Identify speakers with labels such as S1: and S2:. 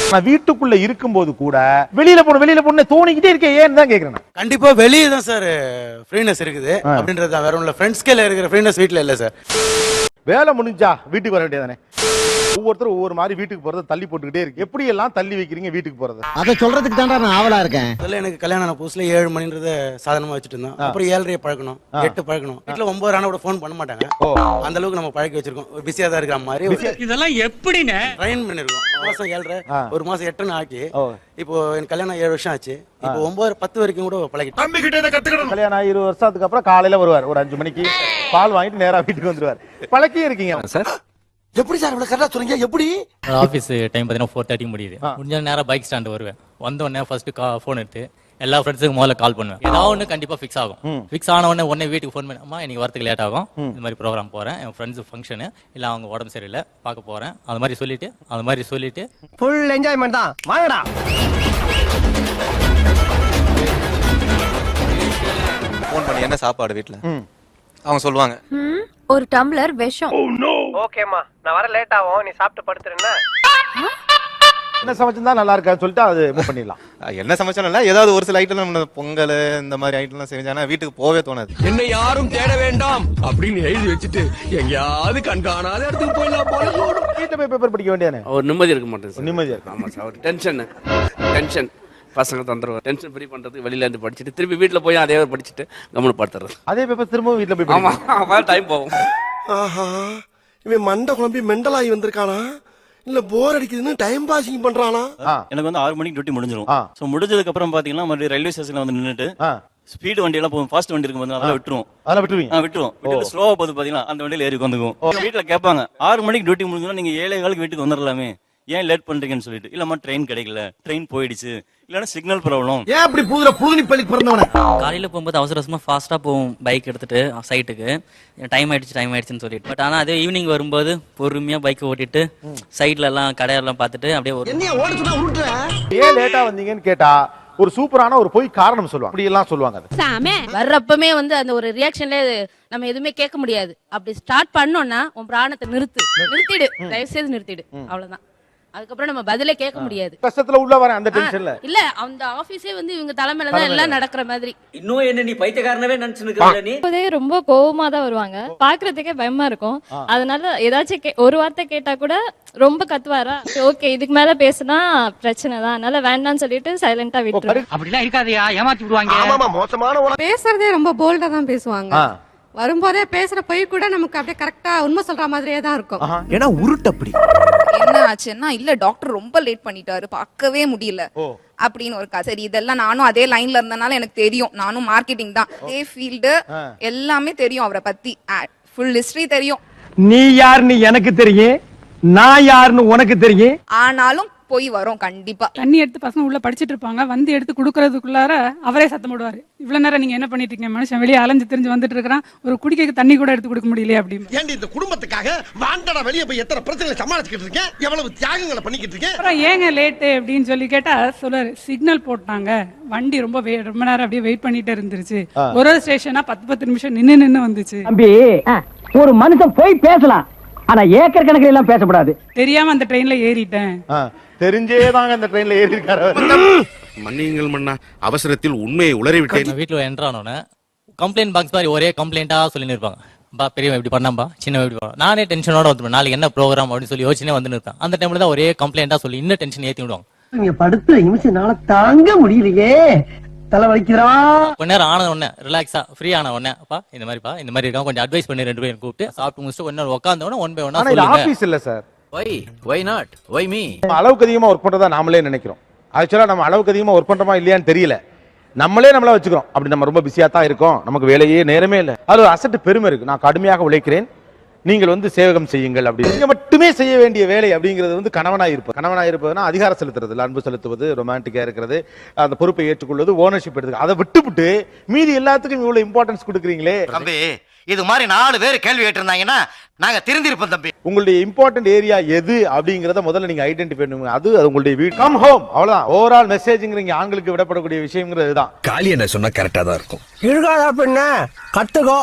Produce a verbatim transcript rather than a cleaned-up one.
S1: நான் வீட்டுக்குள்ள இருக்கும்போது கூட வெளியில போன வெளியில போன தோணிக்கிட்டே இருக்கே ஏன்னு தான் கேக்குறேன்.
S2: கண்டிப்பா வெளியே தான் சார் ஃப்ரீனஸ் இருக்குது அப்படின்றது தான், வேற ஒண்ணுல ஃப்ரெண்ட்ஸ்கேல இருக்கிற ஃப்ரீனஸ் வீட்ல இல்ல சார்.
S1: வேலை முடிஞ்சா வீட்டுக்கு வர வேண்டியதானே. ஒவ்வொருத்தரும் ஒவ்வொரு மாதிரி வீட்டுக்கு போறத தள்ளி போட்டுக்கிட்டே இருக்கு. எப்படி எல்லாம் தள்ளி வைக்கிறீங்க வீட்டுக்கு போறத?
S3: அத சொல்றதுக்கு தான்டா நான் ஆவலா இருக்கேன்.
S2: முதல்ல எனக்கு கல்யாணம் புதுசுல ஏழு மணின்றத சாதாரணமா வச்சுட்டு இருந்தோம். அப்புறம் ஏழரையை பழக்கணும், எட்டு பழக்கணும். வீட்டுல ஒன்பது ஆனா கூட போன் பண்ண மாட்டாங்க. அந்த அளவுக்கு நம்ம பழக்கி வச்சிருக்கோம். பிஸியா தான் இருக்கிற மாதிரி
S4: இதெல்லாம் எப்படின்னு
S2: ட்ரைன் பண்ணிருக்கோம். மாசம் ஏழரை ஒரு மாசம் எட்டுன்னு ஆக்கி இப்போ எனக்கு கல்யாணம் ஏழு வருஷம் ஆச்சு. இப்போ ஒன்பது பத்து வரைக்கும் கூட பழகிட்டோம்.
S1: கல்யாணம் ஆகி இருபது வருஷத்துக்கு அப்புறம் காலையில வருவார், ஒரு அஞ்சு மணிக்கு பால் வாங்கிட்டு நேரா வீட்டுக்கு வந்துருவார். பழக்கி இருக்கீங்க
S5: சார்.
S3: எப்படி சார் இவ்வளவு கரெக்டா சொல்றீங்க? எப்படி
S5: ஆஃபீஸ் டைம் பார்த்தீங்கன்னா ஃபோர் தேர்ட்டி முடியுது. முடிஞ்ச நேரம் பைக் ஸ்டாண்ட் வருவேன். வந்த உடனே ஃபர்ஸ்ட் ஃபோன் எடுத்து எல்லா ஃப்ரெண்ட்ஸுக்கு முதல்ல கால் பண்ணுவேன். ஏதாவது ஒன்று கண்டிப்பா ஃபிக்ஸ் ஆகும். ஃபிக்ஸ் ஆன உடனே உடனே வீட்டுக்கு ஃபோன் பண்ணி, அம்மா இன்னைக்கு வரதுக்கு லேட் ஆகும், இந்த மாதிரி ப்ரோக்ராம் போறேன், என் ஃப்ரெண்ட்ஸ் ஃபங்க்ஷனு இல்ல அவங்க உடம்பு சரியில்லை பார்க்க போறேன், அது மாதிரி சொல்லிட்டு அது மாதிரி சொல்லிட்டு
S3: ஃபுல் என்ஜாய்மெண்ட் தான். வாங்கடா.
S6: ஃபோன் பண்ணி என்ன சாப்பாடு வீட்ல அவங்க சொல்லுவாங்க,
S7: ஒரு டம்ளர் விஷம்.
S8: ஓகேம்மா நான் வர லேட் ஆகும், நீ சாப்பிட்டு படுத்துறேன்னா
S1: என்ன சமைச்சிருந்தா நல்லா இருக்கான்னு சொல்லிட்டு அது மூவ் பண்ணிடலாம்.
S6: என்ன சமைச்சாலும் ஏதாவது ஒரு சில ஐட்டம் நம்ம பொங்கல் இந்த மாதிரி ஐட்டம்லாம் செஞ்சானா வீட்டுக்கு போவே தோணாது.
S9: என்னை யாரும் தேட வேண்டாம் அப்படின்னு எழுதி வச்சுட்டு எங்கேயாவது கண்காணாத இடத்துக்கு போயிடலாம் போல.
S1: வீட்டுல போய் பேப்பர் படிக்க வேண்டியானே
S10: ஒரு நிம்மதி இருக்க மாட்டேன்.
S1: நிம்மதியா இருக்கு.
S10: ஆமா சார், ஒரு டென்ஷன் டென்ஷன் பசங்க தந்துருவோம். டென்ஷன் ஃப்ரீ பண்றதுக்கு வெளியில இருந்து படிச்சுட்டு திருப்பி வீட்டுல போய் அதே படிச்சுட்டு கம்முனு படுத்துறது.
S1: அதே பேப்பர் திரும்பவும் வீட்டுல போய்
S10: ஆமா டைம் போகும்.
S3: ஆஹா, இவன் மண்டை குழம்பி மெண்டலாகி வந்திருக்கானா இல்ல போர் அடிக்குதுன்னு டைம் பாசிங் பண்றானா?
S11: எனக்கு வந்து ஆறு மணிக்கு டியூட்டி முடிஞ்சிடும். சோ முடிஞ்சதுக்கு அப்புறம் பாத்தீங்கன்னா மறுபடியும் ரயில்வே ஸ்டேஷன்ல வந்து நின்னுட்டு ஸ்பீட் வண்டி எல்லாம் போகும், ஃபாஸ்ட் வண்டி இருக்கும், அதெல்லாம் விட்டுருவோம்.
S1: அதெல்லாம் விட்டுருவீங்க?
S11: விட்டுருவோம். விட்டு ஸ்லோவா போகுது பாத்தீங்கன்னா அந்த வண்டியில ஏறி வந்துக்குவோம். வீட்டுல கேட்பாங்க, ஆறு மணிக்கு டியூட்டி முடிஞ்சோன்னா நீங்க ஏழை காலுக்கு வீட்டுக்கு வந்துடலாமே, ஏன் லேட் பண்றீங்கன்னு சொல்லிட்டு. இல்லம்மா ட்ரெயின் கிடைக்கல, ட்ரெயின் போயிடுச்சு, இல்லன்னா சிக்னல் ப்ராப்ளம்.
S3: ஏன் அப்படி புதுல புதுனி பள்ளிக்கு பிறந்தவன?
S5: காலையில போகும்போது அவசர அவசரமா ஃபாஸ்டா போவோம் பைக் எடுத்துட்டு சைட்டுக்கு. டைம் ஆயிடுச்சு டைம் ஆயிடுச்சுன்னு சொல்லிட்டு. பட் ஆனா அதே ஈவினிங் வரும்போது பொறுமையா பைக் ஓட்டிட்டு சைட்ல எல்லாம் கடையெல்லாம் பார்த்துட்டு அப்படியே ஒரு
S3: என்ன ஓட சொன்னா உருட்டுற.
S1: ஏன் லேட்டா வந்தீங்கன்னு கேட்டா ஒரு சூப்பரான ஒரு போய் காரணம் சொல்லுவாங்க. அப்படி எல்லாம் சொல்லுவாங்க.
S7: சாமே வர்றப்பமே வந்து அந்த ஒரு ரியாக்ஷன்ல நம்ம எதுவுமே கேட்க முடியாது. அப்படி ஸ்டார்ட் பண்ணோம்னா உன் பிராணத்தை நிறுத்து, நிறுத்திடு, தயவு செய்து நிறுத்திடு, அவ்வளவுதான். அதுக்கப்புறம் நம்ம பதிலே கேட்க முடியாது.
S1: கஷ்டத்துல உள்ள வரேன் அந்த டென்ஷன்ல
S7: இல்ல, அந்த ஆபீஸே வந்து இவங்க தலைமையில தான் எல்லாம் நடக்கிற மாதிரி.
S4: இன்னும் என்ன நீ பைத்தியக்காரனவே நினைச்சுன்னு நீ?
S7: இப்போதே ரொம்ப கோவமா தான் வருவாங்க, பாக்குறதுக்கே பயமா இருக்கும். அதனால ஏதாச்சும் ஒரு வார்த்தை கேட்டா கூட ரொம்ப கத்துவாரா, ஓகே இதுக்கு மேல பேசினா பிரச்சனை தான், அதனால வேண்டாம்னு சொல்லிட்டு சைலண்டா விட்டுரு.
S4: அப்படிலாம் இருக்காதயா, ஏமாத்தி விடுவாங்க.
S3: ஆமாமா, மோசமான
S7: பேசுறதே ரொம்ப போல்டா தான் பேசுவாங்க. வரும்போதே பேசுற பொய் கூட நமக்கு அப்படியே கரெக்டா உண்மை சொல்ற மாதிரியே தான் இருக்கும்.
S3: ஏன்னா உருட்டு அப்படி.
S7: என்ன ஆச்சுன்னா, இல்ல டாக்டர் ரொம்ப லேட் பண்ணிட்டாரு, பார்க்கவே முடியல அப்படின்னு ஒரு கதை. சரி, இதெல்லாம் நானும் அதே லைன்ல இருந்தனால எனக்கு தெரியும். நானும் மார்க்கெட்டிங் தான், அதே ஃபீல்டு, எல்லாமே தெரியும் அவரை பத்தி, ஃபுல் ஹிஸ்டரி தெரியும்.
S4: நீ யாருன்னு எனக்கு தெரியும், நான் யாருன்னு உனக்கு தெரியும்.
S7: ஆனாலும் போய் வரும் கண்டிப்பா.
S12: தண்ணி எடுத்து பசங்க உள்ள படிச்சிட்டு இருப்பாங்க, வந்து எடுத்து குடுக்கறதுக்குள்ளார அவரே சத்தம் போடுவாரு, இவ்வளவு நேரம் நீங்க என்ன பண்ணிட்டு இருக்கீங்க, மனுஷன் வெளியே அலைஞ்சு தெரிஞ்சு வந்துட்டு இருக்கிறான், ஒரு குடிக்க தண்ணி கூட எடுத்து கொடுக்க முடியலையே அப்படின்னு.
S3: ஏன்டி இந்த குடும்பத்துக்காக வாண்டடா வெளியே போய் எத்தனை பிரச்சனைகளை சமாளிச்சுக்கிட்டு இருக்கேன், எவ்வளவு தியாகங்களை பண்ணிக்கிட்டு இருக்கேன்.
S12: அப்புறம் ஏங்க லேட்டு அப்படின்னு சொல்லி கேட்டா சொல்லுவாரு, சிக்னல் போட்டாங்க, வண்டி ரொம்ப ரொம்ப நேரம் அப்படியே வெயிட் பண்ணிட்டே இருந்துருச்சு, ஒரு ஒரு ஸ்டேஷனா பத்து பத்து நிமிஷம் நின்னு நின்னு வந்துச்சு.
S4: தம்பி, ஒரு மனுஷன் போய் பேசலாம், ஆனா ஏக்கர் கணக்கில் எல்லாம் பேசக்கூடாது.
S12: தெரியாம அந்த ட்ரெயின்ல ஏறிட்டேன்,
S1: தெரிஞ்சேதாங்க அந்த ட்ரெயின்ல ஏறி இருக்காரு.
S9: மன்னியுங்கள் மன்னா, அவசரத்தில் உண்மையை உளறி விட்டேன்.
S5: வீட்டுல என்டர் ஆனோன்னு கம்ப்ளைண்ட் பாக்ஸ் மாதிரி ஒரே கம்ப்ளைண்டா சொல்லி இருப்பாங்க. பா பெரியவன் இப்படி பண்ணாம்பா, சின்னவன் இப்படி பண்ணா. நானே டென்ஷனோட வந்து நாளைக்கு என்ன ப்ரோக்ராம் அப்படின்னு சொல்லி யோசிச்சுனே வந்து இருக்கேன். அந்த டைம்ல தான் ஒரே கம்ப்ளைண்டா சொல்லி இன்னும் டென்ஷன் ஏத்தி விடுவாங்க.
S4: நீங்க படுத்து நிமிஷம்னால தாங்க முடியலையே, தலை வலிக்கிறா.
S5: கொஞ்ச நேரம் ஆன உடனே ரிலாக்ஸா ஃப்ரீ ஆன உடனே, அப்பா இந்த மாதிரிப்பா இந்த மாதிரி இருக்காங்க, கொஞ்சம் அட்வைஸ் பண்ணி ரெண்டு பேரும் கூப்பிட்டு சாப்பிட்டு முடிச்சுட்டு கொஞ்ச நேரம் உட்கார்ந்த உடனே ஒன் பை ஒன்னா சொல்லுங்க.
S1: ஆபீஸ் இல்ல sir.
S10: Why why not why me?
S1: அளவுக்கு அதிகமா ஒர்க் பண்றதா நாமளே நினைக்கிறோம். ஆக்சுவலா நம்ம அளவுக்கு அதிகமா ஒர்க் பண்றோமா இல்லையான்னு தெரியல. நம்மளே நம்மள வச்சுக்கிறோம், அப்படி நம்ம ரொம்ப பிஸியா தான் இருக்கோம், நமக்கு வேலையே நேரமே இல்லை. அது ஒரு அசட்டு பெருமை இருக்கு, நான் கடுமையாக உழைக்கிறேன், நீங்கள் வந்து சேவகம் செய்யுங்கள் அப்படி. நீங்க மட்டுமே செய்ய வேண்டிய வேலை அப்படிங்கிறது வந்து கணவனாக இருப்பது. கணவனாக இருப்பதுன்னா அதிகாரம் செலுத்துறது, அன்பு செலுத்துவது, ரொமான்டிக்கா இருக்கிறது, அந்த பொறுப்பை ஏற்றுக்கொள்வது, ஓனர்ஷிப் எடுத்து அதை விட்டுவிட்டு மீதி எல்லாத்துக்கும் இவ்வளவு இம்பார்ட்டன்ஸ் கொடுக்குறீங்களே.
S3: தம்பி, இது மாதிரி நாலு பேர் கேள்வி கேட்டிருந்தாங்கன்னா நாங்க திருந்திருப்போம் தம்பி.
S1: உங்களுடைய இம்பார்ட்டன்ட் ஏரியா எது அப்படிங்கறத முதல்ல நீங்க ஐடென்டிஃபை பண்ணுங்க. அது அது உங்களுடைய வீடு, கம் ஹோம், அவ்வளவுதான். ஓவரால் மெசேஜ்ங்கிறீங்க ஆண்களுக்கு விடப்படக்கூடிய விஷயங்கிறது தான்.
S9: காலி என்ன சொன்னா கரெக்டா தான் இருக்கும்.
S4: இழுகாதா பின்ன கத்துக்கோ.